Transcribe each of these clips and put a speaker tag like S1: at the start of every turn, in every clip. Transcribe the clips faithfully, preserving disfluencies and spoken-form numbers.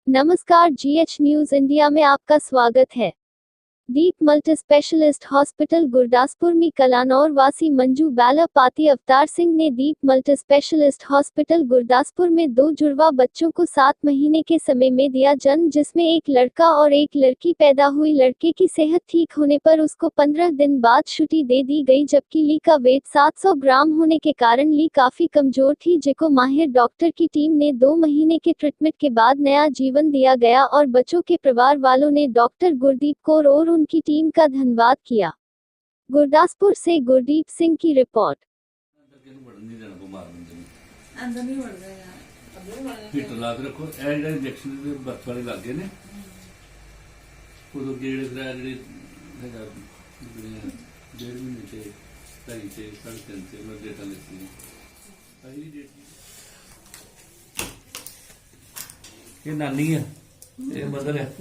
S1: नमस्कार, GH news India में आपका स्वागत है। Deep multi specialist hospital Gurdaspur में कलानौर वासी मंजू बाला पाती अवतार सिंह ने Deep multi specialist hospital Gurdaspur में दो जुड़वा बच्चों को सात महीने के समय में दिया जन्म, जिसमें एक लड़का और एक लड़की पैदा हुई। लड़के की सेहत ठीक होने पर उसको पंद्रह दिन बाद छुट्टी दे दी गई, जबकि ली का वेट सात सौ ग्राम होने के कारण ली काफी कमजोर थी, जिको माहिर डॉक्टर की टीम ने दो महीने के ट्रीटमेंट के बाद नया जीवन दिया गया और बच्चों के परिवार वालों ने डॉक्टर गुरदीप कौर और उनकी टीम का धन्यवाद किया। गुरदासपुर से गुरदीप सिंह की रिपोर्ट।
S2: अंदर नहीं बढ़ गया यार,
S3: हीटर ला के रखो। ਇਹ ਜਿਹੜੇ ਇੰਜੈਕਸ਼ਨ ਦੇ ਬਰਫ ਵਾਲੇ ਲੱਗੇ ਨੇ ਉਦੋਂ ਗੇੜ ਕਰਾ ਜਿਹੜੇ ਹੈਗਾ ਡੇਢ ਮਹੀਨੇ ਤੇ ਢਾਈ ਤੇ ਸਾਢੇ ਤਿੰਨ ਤੇ ਮੈਂ ਡੇਟਾ ਲਿਖੀ ਆਹੀ ਡੇਟ ਇਹ ਨਾਨੀ ਆ, ਇਹ ਮਦਰ ਹੈ।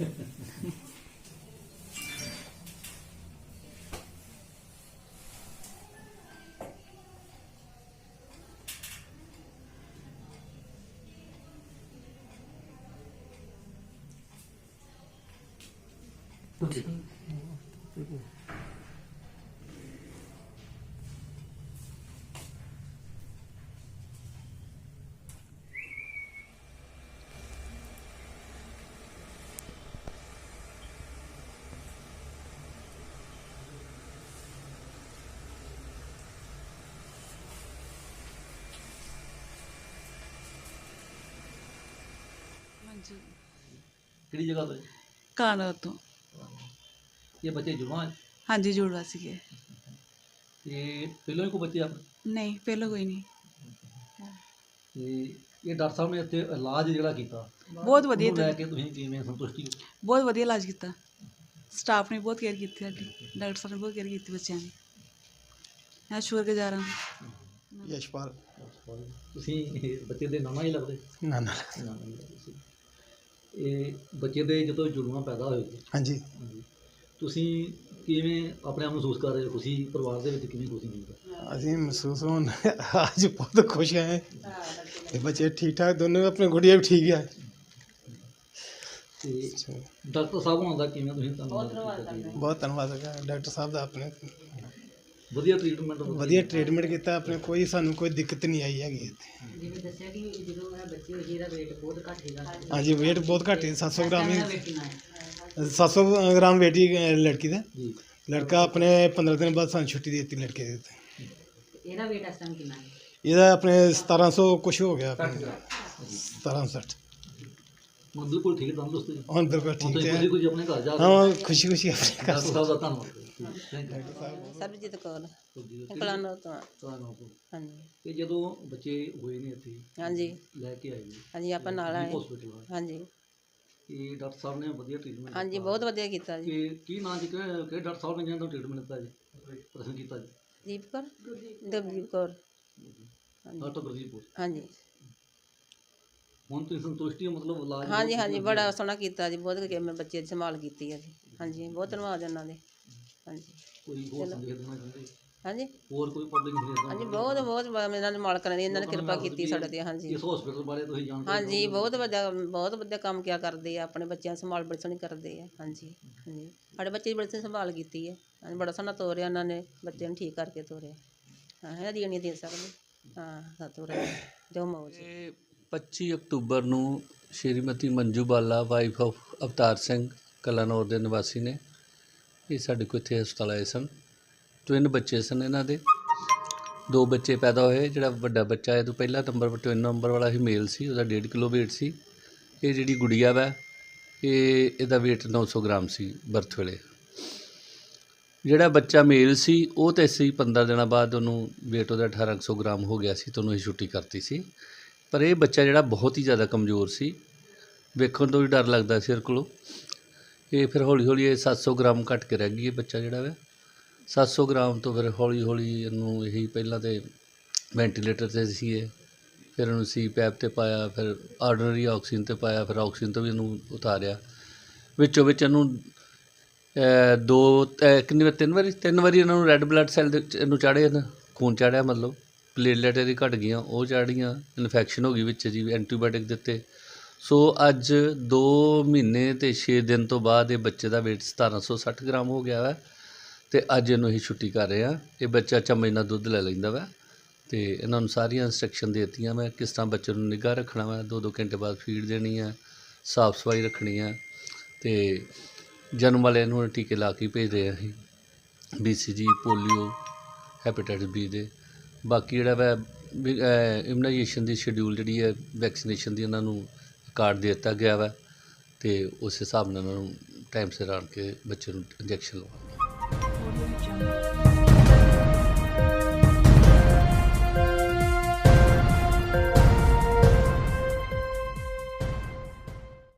S2: मंजू
S4: ਕਿਹੜੀ ਜਗ੍ਹਾ ਤੋਂ?
S2: कानौर तो।
S4: ਇਹ ਬੱਚੇ ਜੁੜਵਾ ਹੈ
S2: हाँ जी, जुड़वा सी है।
S4: ਤੇ ਪਹਿਲਾਂ ਹੀ ਕੋਈ ਬੱਚੇ ਆਪਣੇ
S2: नहीं, पहले कोई नहीं।
S4: ਤੇ ਇਹ ਡਾਕਟਰ ਸਾਹਿਬ ਨੇ ਇੱਥੇ ਇਲਾਜ ਜਿਹੜਾ ਕੀਤਾ
S2: बहुत वधिया
S4: ਉਹਨੂੰ ਲੈ ਕੇ ਤੁਸੀਂ ਕਿਵੇਂ ਸੰਤੁਸ਼ਟੀ ਹੋ?
S2: बहुत वधिया इलाज किया। स्टाफ ने बहुत केयर की साडी, डॉक्टर साहब ने बहुत केयर की बच्चों की। मैं शुक्रगुजार हाँ।
S5: यशपाल
S4: ਤੁਸੀਂ ਬੱਚੇ ਦੇ ਨਾਨਾ ਹੀ ਲੱਗਦੇ?
S5: ना ना
S4: ਨਾਨਾ ਹੀ ਲੱਗਦੇ ਸੀ। ਇਹ ਬੱਚੇ ਦੇ ਜਦੋਂ ਜੁੜਵਾ ਪੈਦਾ ਹੋਏ
S5: हाँ जी,
S4: ਹਾਂਜੀ, ਤੁਸੀਂ ਕਿਵੇਂ ਆਪਣੇ ਆਪ ਮਹਿਸੂਸ ਕਰ ਰਹੇ ਹੋ? ਖੁਸ਼ੀ ਪਰਿਵਾਰ ਦੇ ਵਿੱਚ ਕਿਵੇਂ ਖੁਸ਼ੀ ਮਿਲਦਾ?
S5: अभी महसूस हो आज बहुत खुश हैं। ये बच्चे ठीक ठाक दोनों, अपने गुड़िया भी ठीक है।
S4: ਤੇ ਡਾਕਟਰ ਸਾਹਿਬ ਹੋਣ ਦਾ ਕਿਵੇਂ ਤੁਸੀਂ ਧੰਨਵਾਦ ਕੀਤਾ?
S5: बहुत धन्यवाद है डॉक्टर साहब का, अपने
S4: ਵਧੀਆ ਟ੍ਰੀਟਮੈਂਟ
S5: वधिया ट्रीटमेंट किया, अपने कोई सानू कोई दिक्कत नहीं आई हैगी।
S6: ਜਿਵੇਂ ਦੱਸਿਆ ਕਿ ਜਦੋਂ ਇਹ ਬੱਚੇ ਹੋਏ ਸੀ ਇਹਦਾ weight ਬਹੁਤ ਘੱਟ ਸੀਗਾ।
S5: हाँ जी, वेट बहुत घट है, सात सौ ग्राम
S6: ਇਹਦਾ
S5: ही,
S6: weight ਕਿੰਨਾ ਹੈ?
S5: सात सौ ग्राम वेट ही लड़की का।
S4: ਜੀ।
S5: लड़का अपने पंद्रह दिन बाद सानू छुट्टी दी थी लड़के दी।
S6: ਇਹਦਾ weight ਇਸ ਟਾਈਮ ਕਿੰਨਾ ਹੈ?
S5: ਇਹਦਾ ਆਪਣੇ सतारह सौ कुछ हो गया, सतारह सठ।
S4: ਹੁਣ ਬਿਲਕੁਲ ਠੀਕ ਤੰਦਰੁਸਤ ਜੀ।
S5: ਹੁਣ ਬਿਲਕੁਲ
S4: ਹੁਣ
S5: ਠੀਕ
S4: ਤੁਸੀਂ
S5: ਹੈ।
S4: ਖੁਸ਼ੀ ਖੁਸ਼ੀ ਆਪਣੇ ਘਰ ਜਾ ਕੇ
S5: ਹਾਂ, ਖੁਸ਼ੀ ਖੁਸ਼ੀ ਆਪਣੇ ਘਰ
S4: ਡਾਕਟਰ ਸਾਹਿਬ ਦਾ ਧੰਨਵਾਦ। Thank you.
S6: ਸਰਬਜੀਤ ਕੌਰ,
S4: ਜੀ।
S6: ਕਲਾਨੌਰ ਤੋਂ।
S4: ਤੁਹਾਨੂੰ
S6: ਹਾਂਜੀ
S4: ਇਹ ਜਦੋਂ ਬੱਚੇ ਹੋਏ ਨੇ ਇੱਥੇ
S6: ਹਾਂਜੀ
S4: ਲੈ ਕੇ ਆਏ ਨੇ
S6: ਹਾਂਜੀ, ਆਪਾਂ ਨਾਲ ਆਏ।
S4: ਹਸਪੀਟਲ
S6: ਹਾਂਜੀ
S4: ਇਹ ਡਾਕਟਰ ਸਾਹਿਬ ਨੇ ਵਧੀਆ ਟ੍ਰੀਟਮੈਂਟ
S6: ਹਾਂਜੀ, ਬਹੁਤ ਵਧੀਆ ਕੀਤਾ ਜੀ।
S4: ਕਿ ਕੀ ਨਾਂ ਜੀ, ਕਿਹੜੇ ਕਿਹੜੇ ਡਾਕਟਰ ਸਾਹਿਬ ਨੇ ਜਿਹਨਾਂ ਨੂੰ ਟ੍ਰੀਟਮੈਂਟ ਦਿੱਤਾ ਜੀ, ਪ੍ਰਸ਼ਨ ਕੀਤਾ ਜੀ?
S6: ਦੀਪ ਕੌਰ, ਦਵਜੀਤ ਕੌਰ।
S4: ਡਾਕਟਰ ਗੁਰਦੀਪ ਕੌਰ।
S6: ਹਾਂਜੀ
S4: ਹੁਣ ਤੁਸੀਂ ਸੰਤੁਸ਼ਟੀ ਹੋ? ਮਤਲਬ ਇਲਾਜ
S6: ਹਾਂਜੀ ਹਾਂਜੀ, ਬੜਾ ਸੋਹਣਾ ਕੀਤਾ ਜੀ, ਬਹੁਤ ਵਧੀਆ ਮੈਂ ਬੱਚੇ ਦੀ ਸੰਭਾਲ ਕੀਤੀ ਹੈ ਜੀ। ਹਾਂਜੀ, ਬਹੁਤ ਧੰਨਵਾਦ ਇਹਨਾਂ ਦੇ। ਹਾਂਜੀ
S4: ਕੋਈ ਹੋਰ ਸੰਦੇਸ਼ ਦੇਣਾ ਚਾਹੁੰਦੇ?
S6: ਹਾਂਜੀ
S4: ਹੋਰ ਕੋਈ ਪਬਲਿਕ ਸੰਦੇਸ਼
S6: ਹਾਂਜੀ,
S4: ਦੇਣਾ?
S6: ਬਹੁਤ ਬਹੁਤ ਬ- ਇਹਨਾਂ ਨੇ ਮਾਲਕਾਂ ਨੇ ਇਹਨਾਂ ਨੇ ਕਿਰਪਾ ਕੀਤੀ ਸਾਡੇ ਤੇ। ਹਾਂਜੀ
S4: ਇਸ ਹਸਪੀਟਲ ਬਾਰੇ ਤੁਸੀਂ ਜਾਣਦੇ
S6: ਹਾਂਜੀ, ਬਹੁਤ ਵਧੀਆ ਬਹੁਤ ਵਧੀਆ ਕੰਮ ਕਿਆ ਕਰਦੇ ਆ, ਆਪਣੇ ਬੱਚਿਆਂ ਦੀ ਸੰਭਾਲ ਬੜੀ ਸੋਹਣੀ ਕਰਦੇ ਆ। ਹਾਂਜੀ ਹਾਂਜੀ, ਸਾਡੇ ਬੱਚੇ ਦੀ ਬੜੀ ਸੋਹਣੀ ਸੰਭਾਲ ਕੀਤੀ ਹੈ। ਹਾਂਜੀ, ਬੜਾ ਸੋਹਣਾ ਤੋਰਿਆ ਇਹਨਾਂ ਨੇ, ਬੱਚੇ ਨੂੰ ਠੀਕ ਕਰਕੇ ਤੋਰਿਆ। ਹਾਂ, ਇਹਨਾਂ ਦੀ ਨਹੀਂ ਦੇ ਸਕਦੇ। ਹਾਂ, ਤੋਰਿਆ ਜੋ ਮੌਜ।
S3: ਇਹ ਪੱਚੀ ਅਕਤੂਬਰ ਨੂੰ ਸ਼੍ਰੀਮਤੀ ਮੰਜੂ ਬਾਲਾ ਵਾਈਫ ਆਫ ਅਵਤਾਰ ਸਿੰਘ ਕਲਾਨੌਰ ਦੇ ਨਿਵਾਸੀ ਨੇ, ਇਹ ਸਾਡੇ ਕੋਲ ਇੱਥੇ ਹਸਪਤਾਲ ਆਏ ਸਨ। ਟਵਿਨ ਬੱਚੇ ਸਨ ਇਹਨਾਂ ਦੇ, ਦੋ ਬੱਚੇ ਪੈਦਾ ਹੋਏ। ਜਿਹੜਾ ਵੱਡਾ ਬੱਚਾ ਇਹ ਤੋਂ ਪਹਿਲਾ ਨੰਬਰ ਟਵਿਨ ਨੰਬਰ ਵਾਲਾ ਹੀ ਮੇਲ ਸੀ, ਉਹਦਾ ਡੇਢ ਕਿਲੋ ਵੇਟ ਸੀ। ਇਹ ਜਿਹੜੀ ਗੁੜੀਆ ਵਾ ਇਹ ਇਹਦਾ ਵੇਟ ਨੌ ਸੌ ਗ੍ਰਾਮ ਸੀ ਬਰਥ ਵੇਲੇ। ਜਿਹੜਾ ਬੱਚਾ ਮੇਲ ਸੀ ਉਹ ਤਾਂ ਅਸੀਂ ਪੰਦਰਾਂ ਦਿਨਾਂ ਬਾਅਦ ਉਹਨੂੰ ਵੇਟ ਉਹਦਾ ਅਠਾਰਾਂ ਸੌ ਗ੍ਰਾਮ ਹੋ ਗਿਆ ਸੀ, ਤਾਂ ਉਹਨੂੰ ਅਸੀਂ ਛੁੱਟੀ ਕਰਤੀ ਸੀ। ਪਰ ਇਹ ਬੱਚਾ ਜਿਹੜਾ ਬਹੁਤ ਹੀ ਜ਼ਿਆਦਾ ਕਮਜ਼ੋਰ ਸੀ, ਵੇਖਣ ਤੋਂ ਵੀ ਡਰ ਲੱਗਦਾ ਸੀ ਇਹਦੇ ਕੋਲੋਂ। ਇਹ ਫਿਰ ਹੌਲੀ ਹੌਲੀ ਇਹ ਸੱਤ ਸੌ ਗ੍ਰਾਮ ਘੱਟ ਕੇ ਰਹਿ ਗਈ। ਇਹ ਬੱਚਾ ਜਿਹੜਾ ਵਾ ਸੱਤ ਸੌ ਗ੍ਰਾਮ ਤੋਂ ਫਿਰ ਹੌਲੀ ਹੌਲੀ ਇਹਨੂੰ ਇਹੀ ਪਹਿਲਾਂ ਤਾਂ ਵੈਂਟੀਲੇਟਰ 'ਤੇ ਸੀ ਇਹ, ਫਿਰ ਇਹਨੂੰ ਸੀ ਪੈਪ 'ਤੇ ਪਾਇਆ, ਫਿਰ ਆਰਡੀਨਰੀ ਆਕਸੀਜਨ 'ਤੇ ਪਾਇਆ, ਫਿਰ ਆਕਸੀਜਨ ਤੋਂ ਵੀ ਇਹਨੂੰ ਉਤਾਰਿਆ। ਵਿੱਚੋਂ ਵਿੱਚ ਇਹਨੂੰ ਦੋ ਕਿੰਨੀ ਵਾਰ ਤਿੰਨ ਵਾਰੀ ਤਿੰਨ ਵਾਰੀ ਇਹਨਾਂ ਨੂੰ ਰੈੱਡ ਬਲੱਡ ਸੈੱਲ ਦੇ ਇਹਨੂੰ ਚਾੜ੍ਹੇ ਹਨ, ਖੂਨ ਚਾੜਿਆ, ਮਤਲਬ ਪਲੇਟਲੈਟ ਇਹਦੀ ਘਟ ਗਈਆਂ, ਉਹ ਚਾੜੀਆਂ, ਇਨਫੈਕਸ਼ਨ ਹੋ ਗਈ ਵਿੱਚ ਜੀ, ਐਂਟੀਬਾਇਓਟਿਕ ਦਿੱਤੇ, ਸੋ ਅੱਜ ਦੋ ਮਹੀਨੇ ਅਤੇ ਛੇ ਦਿਨ ਤੋਂ ਬਾਅਦ ਇਹ ਬੱਚੇ ਦਾ weight ਸਤਾਰਾਂ ਸੌ ਸੱਠ ਗ੍ਰਾਮ ਹੋ ਗਿਆ ਵਾ ਅਤੇ ਅੱਜ ਇਹਨੂੰ ਅਸੀਂ ਛੁੱਟੀ ਕਰ ਰਹੇ ਹਾਂ। ਇਹ ਬੱਚਾ ਚਮਚ ਨਾਲ ਦੁੱਧ ਲੈ ਲੈਂਦਾ ਵਾ ਅਤੇ ਇਹਨਾਂ ਨੂੰ ਸਾਰੀਆਂ ਇੰਸਟਰਕਸ਼ਨ ਦੇ ਦਿੱਤੀਆਂ ਮੈਂ ਕਿਸ ਤਰ੍ਹਾਂ ਬੱਚੇ ਨੂੰ ਨਿੱਘਾ ਰੱਖਣਾ ਵਾ, ਦੋ ਦੋ ਘੰਟੇ ਬਾਅਦ ਫੀਡ ਦੇਣੀ ਆ, ਸਾਫ਼ ਸਫਾਈ ਰੱਖਣੀ ਆ ਅਤੇ ਜਨਮ ਵਾਲੇ ਨੂੰ ਟੀਕੇ ਲਾ ਕੇ ਭੇਜ ਰਹੇ ਹਾਂ ਅਸੀਂ, ਬੀ ਸੀ ਜੀ, ਪੋਲੀਓ, ਹੈਪੇਟਾਈਟਸ ਬੀ ਦੇ। ਬਾਕੀ ਜਿਹੜਾ ਵਾ ਇਮੂਨਾਈਜੇਸ਼ਨ ਦੀ ਸ਼ਡਿਊਲ ਜਿਹੜੀ ਹੈ ਵੈਕਸੀਨੇਸ਼ਨ ਦੀ ਉਹਨਾਂ ਨੂੰ ਕਾਰਡ ਦੇ ਦਿੱਤਾ ਗਿਆ ਵਾ ਅਤੇ ਉਸ ਹਿਸਾਬ ਨਾਲ ਉਹਨਾਂ ਨੂੰ ਟਾਈਮ ਸਿਰ ਆਣ ਕੇ ਬੱਚੇ ਨੂੰ ਇੰਜੈਕਸ਼ਨ ਲਵਾਉਣਾ।